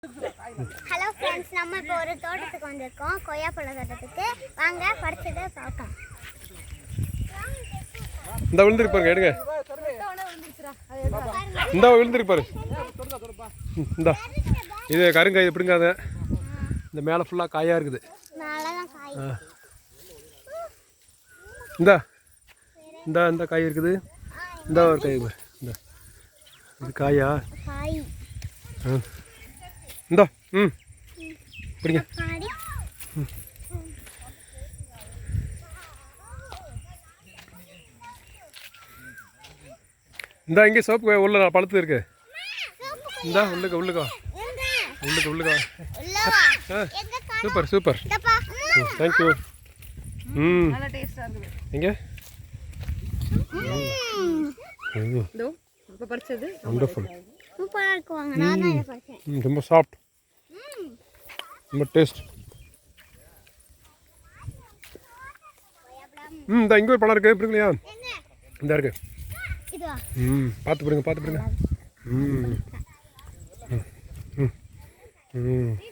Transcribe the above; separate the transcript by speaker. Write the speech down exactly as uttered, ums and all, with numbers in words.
Speaker 1: Hello friends, நம்ம இப்போ ஒரு தோட்டத்துக்கு வந்திருக்கோம். கொய்யாப்பழ தோட்டத்துக்கு வாங்க பறிச்சதை பார்க்கலாம்.
Speaker 2: இந்த விழுந்துருக்கு பாருங்க, எடுங்க. இந்த விழுந்துருக்கு பாரு. இந்த இது கருங்காய், இது பிடுங்காத. இந்த மேலே ஃபுல்லாக காயாக இருக்குது. இந்த இந்த இந்த காய் இருக்குது. இந்த ஒரு காய் பாரு. இந்த இது காயா? ஆ இந்த ம் பிடிங்க. இந்த இங்கே சோப்பு உள்ள பழுத்து இருக்கு. இந்த உள்ளுக்க உள்ளுக்கா உள்ளுக்க உள்ளுக்கா ஆ சூப்பர் சூப்பர். தேங்க்யூ. ம் எங்கே வண்டர்ஃபுல். ரொம்ப சாஃப்ட், ரொம்ப டேஸ்ட். ம் இந்த இங்கே ஒரு பழம் இருக்குது, பிடிக்கலையா? இந்த இருக்கு. ம் பார்த்து பிடிங்க, பார்த்து பிடிங்க. ம் ம் ம்